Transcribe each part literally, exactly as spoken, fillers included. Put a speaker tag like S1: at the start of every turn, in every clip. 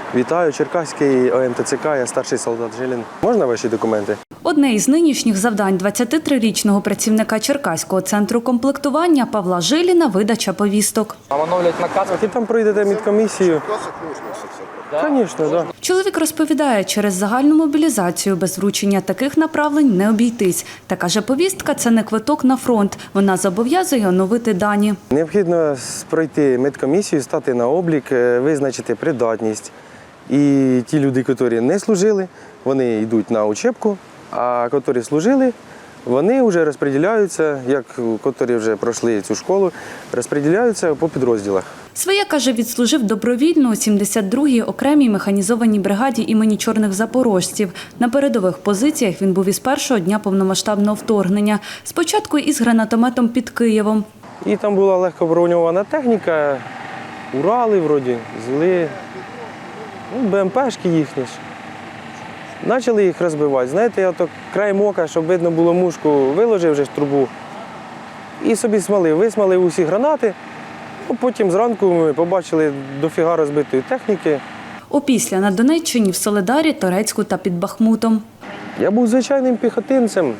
S1: Вітаю, Черкаський О Ем Те Це Ка, я старший солдат Жилін. Можна ваші документи?
S2: Одне із нинішніх завдань двадцятитрирічного працівника Черкаського центру комплектування Павла Жиліна – видача повісток.
S3: Вам оновлять наказ?
S1: І там пройдете медкомісію. Звісно, так.
S2: Чоловік розповідає, через загальну мобілізацію без вручення таких направлень не обійтись. Та каже, повістка – це не квиток на фронт. Вона зобов'язує оновити дані.
S1: Необхідно пройти медкомісію, стати на облік, визначити придатність. І ті люди, які не служили, вони йдуть на учебку, а які служили, вони вже розподіляються, як які вже пройшли цю школу, розподіляються по підрозділах.
S2: Своє, каже, відслужив добровільно у сімдесят другій окремій механізованій бригаді імені Чорних запорожців. На передових позиціях він був із першого дня повномасштабного вторгнення. Спочатку із гранатометом під Києвом.
S1: І там була легко броньована техніка, Урали вроді, зли, ну, Бе Ем Пешки їхні ж. Почали їх розбивати. Знаєте, я так краєм ока, щоб видно було мушку, виложив вже ж трубу і собі смалив. Висмалив усі гранати. Потім зранку ми побачили дофіга розбитої техніки.
S2: Опісля на Донеччині, в Солидарі, Торецьку та під Бахмутом.
S1: Я був звичайним піхотинцем.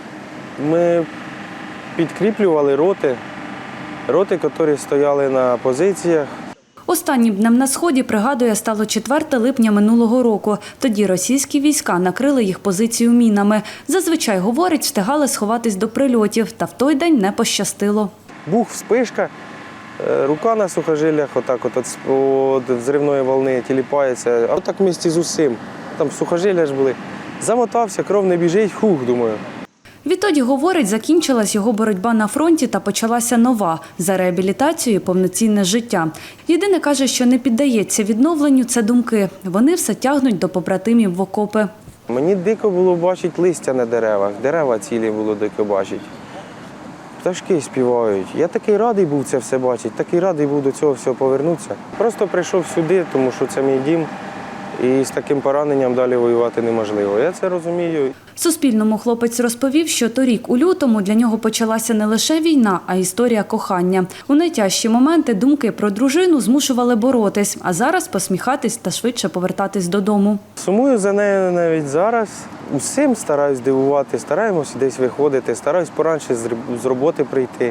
S1: Ми підкріплювали роти, роти, які стояли на позиціях.
S2: Останнім днем на Сході, пригадує, стало четвертого липня минулого року. Тоді російські війська накрили їх позицію мінами. Зазвичай, говорить, встигали сховатись до прильотів, та в той день не пощастило.
S1: Бух, вспишка, рука на сухожиллях, отак от від взривної волни тіліпається. А отак в місті з усім. Там сухожилля ж були. Замотався, кров не біжить, хух, думаю.
S2: Відтоді, говорить, закінчилась його боротьба на фронті та почалася нова – за реабілітацію і повноцінне життя. Єдине, каже, що не піддається відновленню – це думки. Вони все тягнуть до побратимів в окопи.
S1: Мені дико було бачити листя на деревах, дерева цілі було дико бачити. Пташки співають. Я такий радий був це все бачити, такий радий був до цього всього повернутися. Просто прийшов сюди, тому що це мій дім. І з таким пораненням далі воювати неможливо. Я це розумію.
S2: Суспільному хлопець розповів, що торік у лютому для нього почалася не лише війна, а історія кохання. У найтяжчі моменти думки про дружину змушували боротись, а зараз посміхатись та швидше повертатись додому.
S1: Сумую за нею навіть зараз. Усім стараюсь дивувати, стараємося десь виходити, стараюсь поранше з роботи прийти.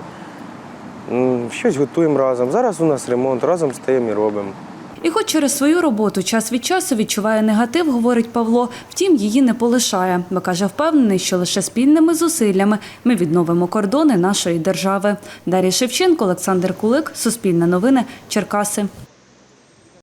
S1: Щось готуємо разом. Зараз у нас ремонт, разом стаємо і робимо.
S2: І хоч через свою роботу час від часу відчуває негатив, говорить Павло, втім її не полишає, бо каже, впевнений, що лише спільними зусиллями ми відновимо кордони нашої держави. Дар'я Шевченко, Олександр Кулик, Суспільне новини, Черкаси.